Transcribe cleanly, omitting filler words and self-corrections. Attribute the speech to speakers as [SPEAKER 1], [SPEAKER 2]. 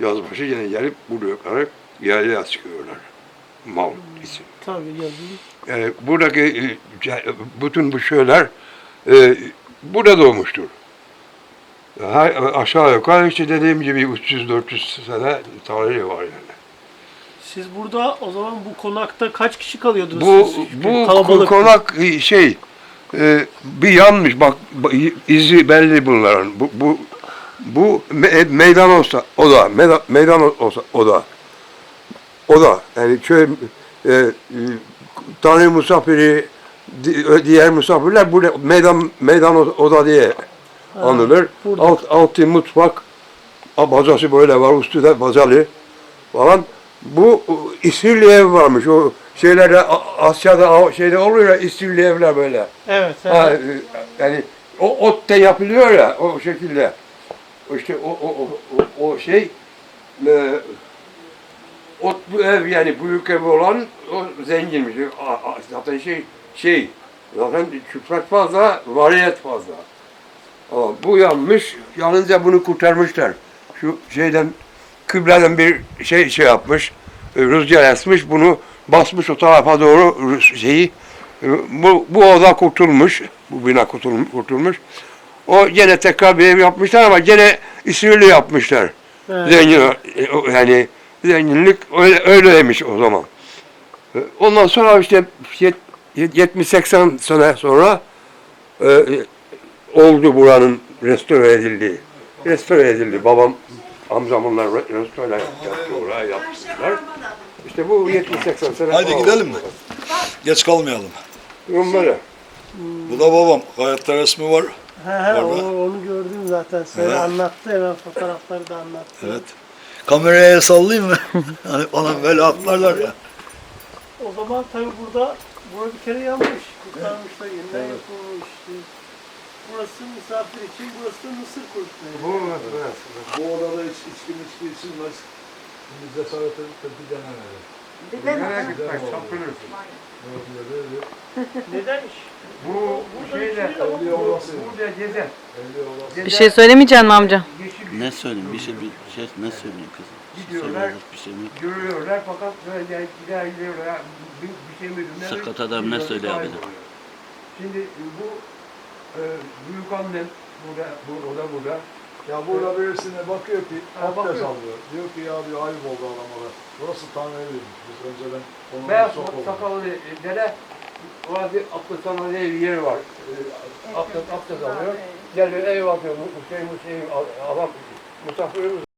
[SPEAKER 1] yazbaşı yine gelip buraya yaylaya çıkıyorlar. Mal için.
[SPEAKER 2] Tabii yazın.
[SPEAKER 1] Yani buradaki bütün bu şeyler burada doğmuştur. Aşağı yukarı işte dediğim gibi 300-400 sene tarihi var yani.
[SPEAKER 2] Siz burada o zaman bu konakta kaç kişi kalıyordunuz?
[SPEAKER 1] Bu
[SPEAKER 2] Kalabalık.
[SPEAKER 1] konak bir yanmış bak izi belli bunların. Bu meydan olsa o da meydan olsa o da yani köy Tanrı misafiri diğer misafirler burada meydan oda diye anılır. Altı mutfak bacası böyle var üstü de bacalı falan. Bu İsirli ev varmış. O şeylerde Asya'da şeyde oluyor ya İsirli evler böyle.
[SPEAKER 2] Evet.
[SPEAKER 1] Ha, yani o otte yapılıyor ya o şekilde. İşte o şey otlu ev yani büyük ev olan o zenginmiş. Zaten zaten küfret fazla, variyet fazla. Ama bu yanmış, yanınca bunu kurtarmışlar. Şu şeyden kıbleden bir şey yapmış, rüzgar esmiş, bunu basmış o tarafa doğru bu oda kurtulmuş, bu bina kurtulmuş. O gene tekrar bir ev yapmışlar ama gene İsrail'i yapmışlar. Evet. Zengin, yani zenginlik öyleymiş o zaman. Ondan sonra işte 70-80 sene sonra oldu buranın restore edildiği. Restore edildi. Babam, amcam onlar restore yaptı, oraya yaptılar. İşte bu 70-80 sene.
[SPEAKER 3] Haydi gidelim mi? Geç kalmayalım.
[SPEAKER 1] Durum böyle.
[SPEAKER 3] Bu da babam. Hayatta resmi var.
[SPEAKER 2] Onu gördüm zaten. Sen anlattı hemen fotoğrafları da anlattı.
[SPEAKER 3] Evet. Kameraya sallayayım mı? Hani bana böyle atlarlar ya.
[SPEAKER 2] O zaman tabii burada bir kere yanmış. Kurtarmışlar, yeniden yapılmış. Burası misafir için, burası da mısır kurutmayı.
[SPEAKER 3] Bu odada içki içilmez. Şimdi cesaret edip de bir denemedi.
[SPEAKER 1] Nereye gitmek? Çarpılırsın.
[SPEAKER 2] Neden iş?
[SPEAKER 1] Bu şeyde, burada gezer.
[SPEAKER 4] Bir şey söylemeyeceksin mi amca?
[SPEAKER 5] Ne söyleyeyim? Bir şey ne söyleyeyim kızım?
[SPEAKER 1] Gidiyorlar,
[SPEAKER 5] Bir şey mi?
[SPEAKER 1] görüyorlar fakat böyle gidiyorlar. Bir şey mi?
[SPEAKER 5] Sakat adam ne söyleyebilir?
[SPEAKER 1] Şimdi bu büyük annem burada.
[SPEAKER 3] Ya burada birisine bakıyor ki abdest
[SPEAKER 1] bakıyor.
[SPEAKER 3] alıyor. Diyor ki ya diyor ayıp oldu adamlara. Burası Tanrı eviymiş. Biz önceden onun
[SPEAKER 1] Beyaz
[SPEAKER 3] sokuldu.
[SPEAKER 1] sakallı dede orada bir abdest alma diye bir yeri var. Abdest alıyor. Geliyor ev bakıyor. Bu şey adam misafirimiz